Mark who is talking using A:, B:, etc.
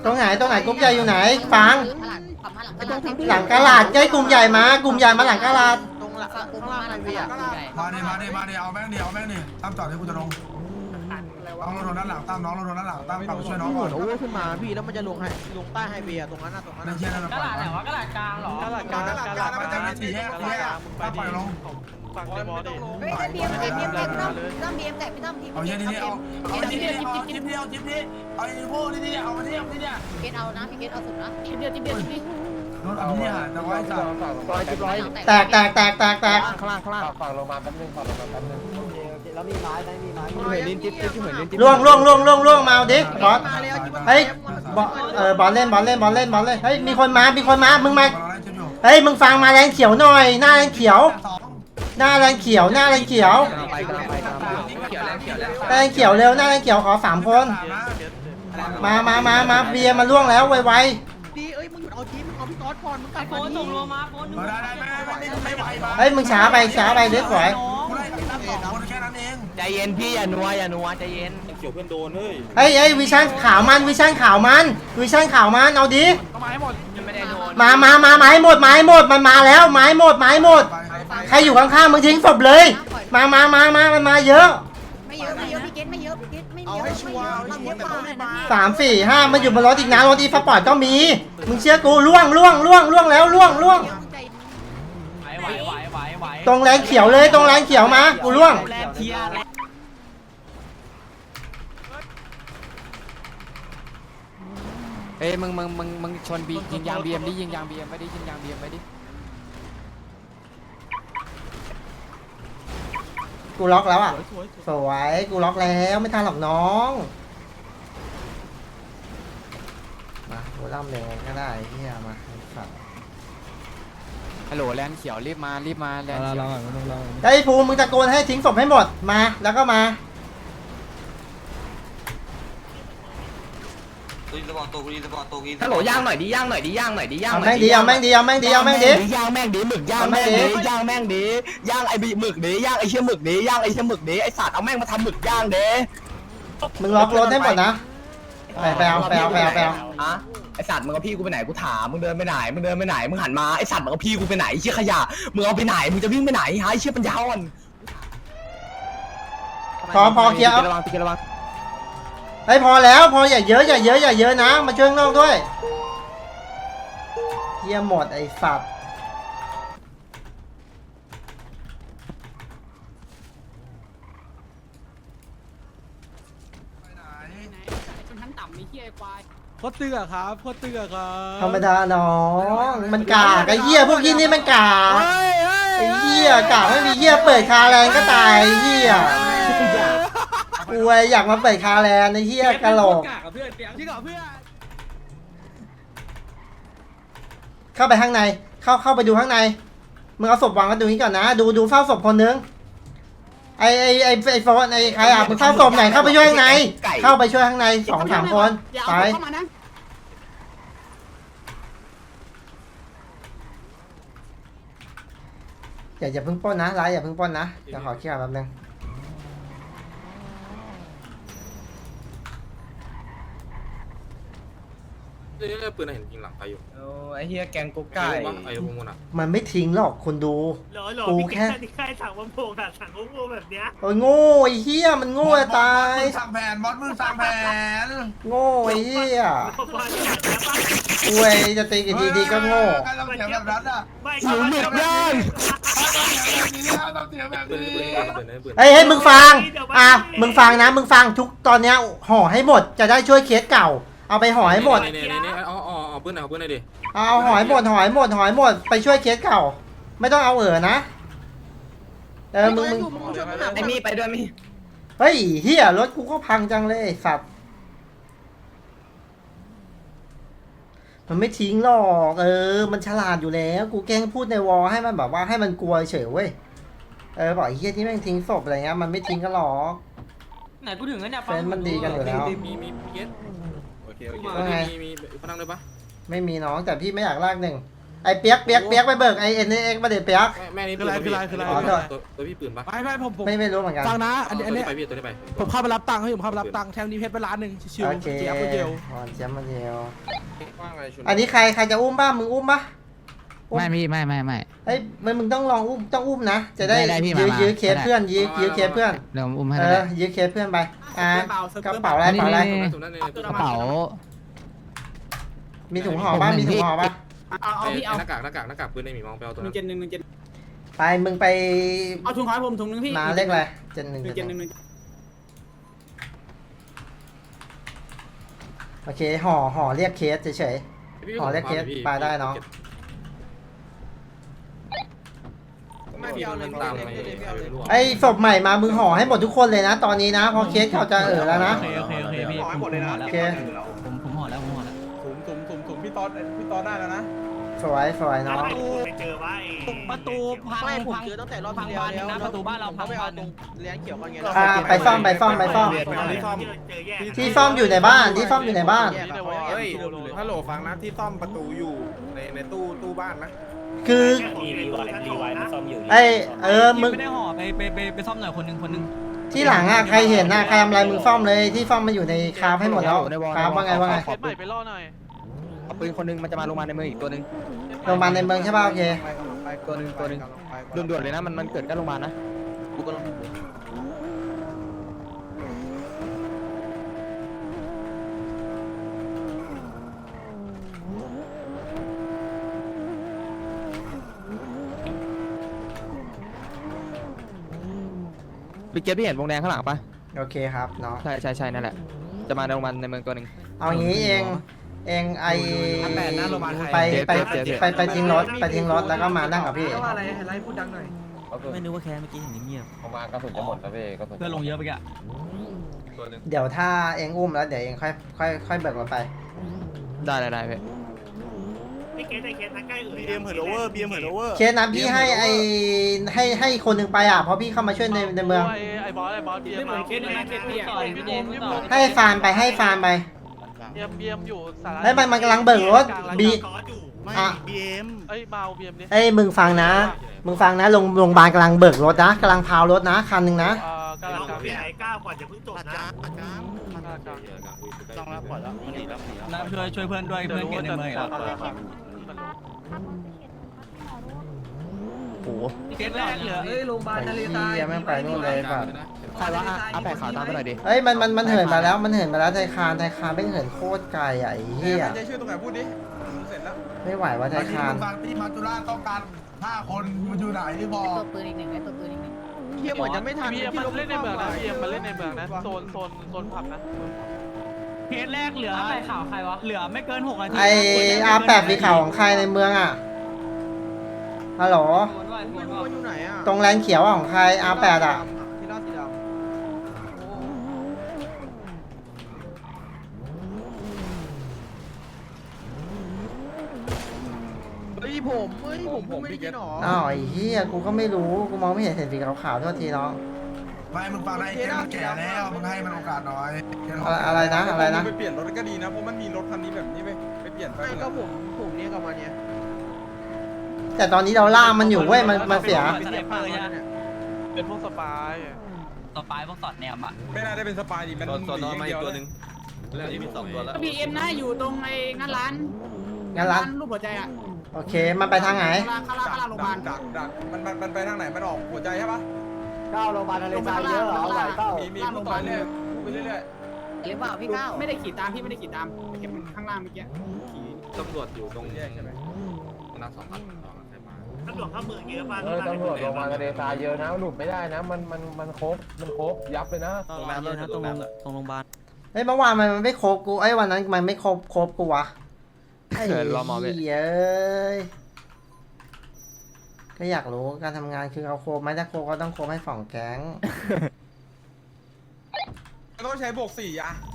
A: ตรงไหนกรุ๊ปใหญ่อยู่ไหนฟังหลังกะลาดใกล้กลุ่มใหญ่มากลุ่มใหญ่มาหลังกะลาด
B: ตรงหลังตรงล่างไฮเวย์
C: มาดิเอาแม่งดิตั้มจอดให้กูจะลงน้องเราโดนด้านหลังตั้มน้องเราโดนด้านหลังตั้มกลับไปช่วยน้องก่อน
B: โอ้ขึ้นมาพี่แล้วมันจะลงใต้ไฮเวย์ตรงนั้นตรงนั้น
C: ในเชี่ยนั่น
D: กระดาษไหนวะกระดาษกลางเหรอก
B: ระดาษกลางมันจะมีสี่แยก
C: ตั้มปล่อยลง
B: ฝั่งในบอลดิ
E: เฮ้ยบีเอ็มต้องบีเอ็มแตกพี่ต้องทีม
C: เอาเชี่ยนี่เอาจิ๊บเดียวเอาไอ้พวกนี่เอามาที่นี่
E: เกตเอานะพี่เกตเอาสุดนะ
D: ทีเดียว
C: รถเอาที่นี่แต่ว่าไอ้สัตว์
A: แตก
B: ข้างล่าง
F: ฝั่งลงมาแป๊บนึงแล้วมีไม้มีไม้
B: เหมือนลิ้นจิ๊บเหมือนลิ้นจิ๊บ
A: ล่วงมาเอาดิบอสเฮ้ยบอลเล่นเฮ้ยมีคนมามึงมาเฮ้ยมึงฟังมาแรงเขียวหน่อยหน้าแรงเขียวแรงเขียวเร็วหน้าแรงเขียวขอ3คนมาเบียร์มาล่วงแล้วไว
B: ดีเอ้ยมึงหยุดเอาทีมมึงเอาพี่ก๊อตก่อนมึงกลับ
D: โฟนส่งโลมาโฟน
C: ไม่ไหว
A: เฮ้ยมึงช้าไปเด็กสวย
C: คนแค่นั้นเอง
G: ใจเย็นพี่อย่านัวใจเย็น
F: เกี่ยวเพื่อนโดนเฮ้ย
A: เฮ้ยวิชั่นขาวมันเอาดิ
D: ก็มาให้หมดยังไม่ได้โดน
A: มาให้หมดมันมาแล้วไม้หมดใครอยู่ข้างๆมึงทิ้งศพเลยมันมาเยอะ
E: ไม่เยอะพี่เกตไม่เยอะไม่เยอะ
B: เอาให้ชัวร์แต่ต้องไม่มา
A: 3 4 5มันอยู่บนรถอีกนะรถอีสปอร์ตก็มีมึงเชื่อกูล่วงแล้ว
D: ไหว
A: ตรงแรงเขียวเลยตรงแรงเขียวมากูล่วง
D: แลนเทียแลน
G: เอ้ยมึงชนบียิงยางบีเอ็มดิยิงยางบีเอ็มไปดิยิงยางบีเอ็มไปดิ
A: กูล็อกแล้วอ่ะสวยกูล็อกแล้วไม่ทันหรอกน้องมากูล่ำแรงก็ได้เฮียมาสัตว์
G: ฮัลโหลแลนเขียวรีบมาแลนเขียว
A: ไอ้ภูมิมึงตะโกนให้ทิ้งศพให้หมดมาแล้วก็มา
G: ฮัลโหลย่างหน่อยดิย่าง
A: เอาแม่งดีหมึกย่าง
G: ไอ้บีหมึกดิย่างไอ้เชี่ยหมึกดิไอ้สัตว์เอาแม่งมาทำหมึกย่างเด้
A: มึงล็อกรถให้หมดนะไปเอา
G: อะไอ้สัตว์มึงเอาพี่กูไปไหนกูถามมึงเดินไปไหนมึงหันมาไอ้สัตว์มึงเอาพี่กูไปไหนเชี่ยขยะมึงเอาไปไหนมึงจะวิ่งไปไหนฮะไอ้เชี่ยปัญญาอ่อน
A: พอเคลียร์ เฮ้ยพอแล้วพออย่าเยอะนะมาช่วยข้างนอกด้วยเฮียหมดไอ้สัตว์
D: ชนชั้นต่ำมีเฮียควาย
B: โคตรเตือครับ
A: ธรรมดาน้องมันกากไอ้เฮียพวกยี่นี่มันกากไอ้เฮียกากไม่มีเฮียเปิดคาแรงก็ตายไอ้เฮียกูอยากมาเปิดคาแรงไอ้เฮียกะโหลกเข้าไปข้างในเข้าไปดูข้างในมึงเอาศพวางกันดูนี้ก่อนนะดูเฝ้าศพคนนึงไอ้โฟนไอ้ใครอ่ะมึงเฝ้าศพไหนเข้าไปช่วยข้างในเข้าไปช่วยข้างใน2-3 คนไปอย่าเพิ่งปล้นนะอย่าเพิ่งปล้นนะเดี๋ยวขอเคลียร์แป๊บนึง
F: ปืนเห็นยิงหลังใครอยู่
G: ไอ้เฮียแกงกุ๊กไก่
F: ไอ้พวกมันอ่ะ
A: มันไม่ทิ้งหรอกคนดูกูแค่
H: ใครสั่งมาโผล่อะสั่งโง่แบบเนี้ย
A: โอ้ยโง่ไอ้เหี้ยมันโง่จะตาย
C: มึงสั่งแผน
A: โง่ไอ้เหี้ย
H: พอที่อยากจะบ้า
A: อวยจะตีกี่ทีก็โง่
C: การเราเสียแบบนั้นอ่ะ
H: ไม่
G: หนูหมึกย่าง
C: เราเสียแบบ
F: ปืน
C: นี้
F: ปืน
A: เฮ้ยมึงฟังมึงฟังนะมึงฟังทุกตอนเนี้ยห่อให้หมดจะได้ช่วยเคสเก่าเอาไปห่อให้หมด
F: นี่เอาปืนเอาปืนหน่อยดิ
A: เอาห่อให้หมดไปช่วยเคสเก่าไม่ต้องเอานะมึง
G: ไอ้มีไปด้วยมี
A: เฮ้ยเหี้ยรถกูก็พังจังเลยไอ้สัตว์มันไม่ทิ้งหรอกมันฉลาดอยู่แล้วกูแกล้งพูดในวอลให้มันแบบว่าให้มันกลัวเฉยเว้ยบอกไอ้เหี้ยที่แม่งทิ้งศพอะไรเงี้ยมันไม่ทิ้งกันหรอก
D: ไหนกูถึงแล้วเนี่ย
A: เฟนมันดีกันอยู่แล้ว
F: มีเกส
A: ว่าไง
F: มีพนังเลยปะ
A: ไม่มีน้องแต่พี่ไม่อยากลากหนึ่งไอ้เปียกไปเบิกไอ้เอ็นเอ็กมาเด็ดเปียก
I: แม่นี่
B: คืออะไร
A: อ๋อโทษ
I: ตัวพี่ปืนปะ
B: ไม่ผม
A: ไม่รู้เหมือนกัน
B: ฟังนะอันนี้
I: ไปพี่ตัวนี้ไป
B: ผมเข้าไปรับตังค์ให้ผมเข้าไปรับตังค์แทงดีเพชรไป1,000,000ชิว
A: โอเค
B: ๆเจี๊ยบคนเดียว
A: อ๋อเจี๊ยบคนเดียว
I: ว่างอะไรชน
A: อันนี้ใครจะอุ้มบ้างมึงอุ้มปะ
J: ไม่พี่ไม่
A: เฮ้ยมึงต้องลองอุ้มต้องอุ้มนะจะได้
J: ได้พี่
A: ยื้อ
J: มา
A: ยื้อเคสเพื่อนยื้อเคสเพื่อน
J: เดี๋ยวผมอุ้มให้
A: เอ
J: ก็ได้
A: อยื้อเคสเพื่อนไปกระเป๋าอะไรกระเป๋าอะไร
I: ตรงนั้นเลย
J: กระเป๋า
A: มีถุงห่อป่ะมีถุงห่อป่ะ
D: เอาพี่เอา
I: หน้ากากปืนในหมีมองไปเอาตัวนั้น
A: ไปมึงไป
D: เอาถุงให้ผมถุงนึงพี่
A: มาเลขอะไรเจนหนึ่งโอเคห่อเรียกเคสเฉยๆห่อเรียกเคสไปได้เนาะ
I: ไม่พี่เอาเลยตามไป
A: ไอ้ศพใหม่มามึงห่อให้หมดทุกคนเลยนะ ตอนนี้นะพอเคสเขาจะแล้วนะ
D: โอเคพี่
B: ขอให้หมดเลยนะ
A: โอเค
D: ผมห่อแล้วผมห่อแล้ว
B: ถุงพี่ต๊อดได้แล้วนะ
A: สวยเนาะ
H: ไปเจอว่า
D: ประตูพัง
B: ไม่ผม
D: พัง
B: เจอตั้งแต่รอบ
D: พัง
B: ที่
D: บาน
B: แล้ว
D: นะประตูบ้านเราพัง
B: ไม่
D: บา
B: เอา
D: น
B: ตรงเลี้ยงเขียวกันไง
A: ไปซ่อม
H: เจอแยก
A: ที่ซ่อมอยู่ในบ้านที่ซ่อมอยู่ในบ้าน
I: เฮ้ยฮัลโหลฟังนะที่ซ่อมประตูอยู่ในตู้บ้านนะ
A: คือ
H: รีไวมันซ่อมอยู่
A: ไอ้มึง
D: ไม่ได้ห่อไปซ่อมหน่อยคนนึง
A: ที่หลังอ่ะใครเห็นนะใครทำอะไรมึงซ่อมเลยที่ซ่อมมันอยู่ในคราฟให้หมดแล้วคราฟว่าไง
B: เคสใหม่ไปล่อหน่อย
J: เอาปืนคนนึงมันจะมาลงมาในเมืองอีกตัวนึง
A: โรงพยาบาลในเมืองใช่ป่ะโอเค
J: ตัวนึงด่วนๆเลยนะมันเกิดกันโรงพยาบาลนะ พี่เกตพี่เห็นวงแดงข้างหลังปะ
A: โอเคครับเนาะ
J: ใช่นั่นแหละ จะมาในโรงพยาบาลในเมืองตัวหนึ่ง
A: เอางี้เองไอไปทิ้งรถแล้วก็มานั่งกับพี่
B: ว่าอะไรไลฟ์พูดดังหน่อย
D: ไม่นึกว่าแค่เมื่อกี้เห็นเงียบ
I: ผมมากระสุนจะหมดแล้วพี่กระสุน
D: เพื่อนลงเยอะไปแก
A: เดี๋ยวถ้าเองอุ้มแล้วเดี๋ยวเองค่อยเบิกรถไป
J: ได้พี่
H: พี่เกตไอเคสนั้นใกล้เอ่ย
B: บีเอ็มเหินโอเวอร์
A: เคสนะพี่ให้คนหนึ่งไปอ่ะเพราะพี่เข้ามาช่วยในเมือง
B: ไอ้บอสบีเอ็ม
D: เคสนี้เคสพี่อ่ะ
A: ให้ฟาร์มไป
B: บีเอ็มอยู่สาระ
A: ให้มันกำลังเบิกรถบี
H: กอดอยู่
A: อ่ะ
B: เอ้ยมาเอาบีเอ็มดิ
A: เอ้ยมึงฟังนะโรงพยาบาลกำลังเบิกรถนะกำลังพาวรถนะคันหนึ่งนะ
B: กำลัง
H: เราพี่ไอ้ก้าวก่อนจะเพิ่งจบนะ
I: ต้องแล้วปล่อยแล้วมันหนีแล้ว
D: น้ำช่วยเพื่อนด้วยเพื่อนเกตในเมืองอ่ะ
J: โอ้โห
D: เคสแรกเหลือ
A: โรงพยาบาลทะเลทรายแม่งไปนู่นเลยป่ะ
J: ใครวะเอาแปะขาวตามไปหน่อยดิ
A: เฮ้ยมันเหินมาแล้วไทยคานแม่งเหินโคตรไกลอ่ะไอ้เหี้ย
B: จะช่วยตรงไหนพูดดิเสร็จแล้ว
A: ไม่ไหวว่าไทยคาน
C: บางที่มาจุฬาต้องการ5 คนมันอยู่ไหนที่บอ
E: ตัว
C: ก
E: ปืนอีกหนึ่งไอ้ตัวปืนอีกหนึ่ง
B: เฮียเหมือนจะไม่ทันบีเอ็มมันเล่นในเมืองนะบีเอ็มมันเล่นในเมืองนะโซนผับนะ
D: เคสแรกเหลืออะไรข่าวใครวะเหลือไม่เกิน6 นาที
A: ไอR8สีขาวของใครในเมืองอ่ะฮัลโหล
B: ไม่รู้ว่าอยู่ไหนอ่ะ
A: ตรงแลนเขียวอะของใคร R8 อ่ะ
B: ที่ราสีดำเฮ้ยผมไม่ได้กินหรอ
A: อ้าวไอ้เหี้ยกูก็ไม่รู้กูมองไม่เห็นสีขาวๆโทษทีน้อง
C: ไม่มึงฟังนะไอ้เกมมันแก่แล้วมึงให้มันโอกาสหน่อย
A: อะไรนะ
B: ไปเปลี่ยนรถก็ดีนะเพราะมันมีรถคันนี้แบบนี้ไปเปลี่ยนไปก็ผมเนี่ยกับมันเนี่ย
A: แต่ตอนนี้เราล่ามันอยู่เว้ยมันเสีย
B: เป็นพวกสปาย
D: ต่อไปพวกสอดแนมอ่ะ
B: ไม่น่าได้เป็นสปายดิมัน
I: ตัวน้องมาอีกตัวนึงเรื่องนี้มี2ตัวแล้ว
D: บีเอ็มนะอยู่ตรงไอ้งานร้าน รูปหัวใจอ่ะ
A: โอเคมันไปทางไหน
D: ข้างล่างโรงพยาบาล
B: ดักมันไปทางไหนมันออกหัวใจใช่ปะ
F: ก้าวโรงพยาบาลทะเลทรายเยอะเหรอไหวเต้า
B: มีพูดไปเรื่อยไปเรื่อย
E: หรือเปล่าพี่ก้าว
D: ไม่ได้ขี่ตามพี่ไม่ได้ขี่ตามเก็บข้างล่างเมื่อกี้
I: ตำรวจอยู่ตรงแยกใช่ไหมนัก2 พันใครมา
H: ตำรวจเข้าเมืองเยอะป่ะ
F: ตำรวจโรงพยาบาลทะเลทรายเยอะนะหลุดไม่ได้นะมันครบยับเลยนะ
D: ตรงน้ำเลยนะตรงโรงพยาบาล
A: เฮ้ยเมื่อวานมันไม่ครบกูไอ้วันนั้นมันไม่ครบกูวะไอ้
J: เขินรอหมอเว้ย
A: เหี้ยเอ้ยก็อยากรู้การทำงานคือเอาโครบไหมถ้าโครบก็ต้องโครบให้2 แก๊ง
B: ๆต้องใช้บวก4อ่ะ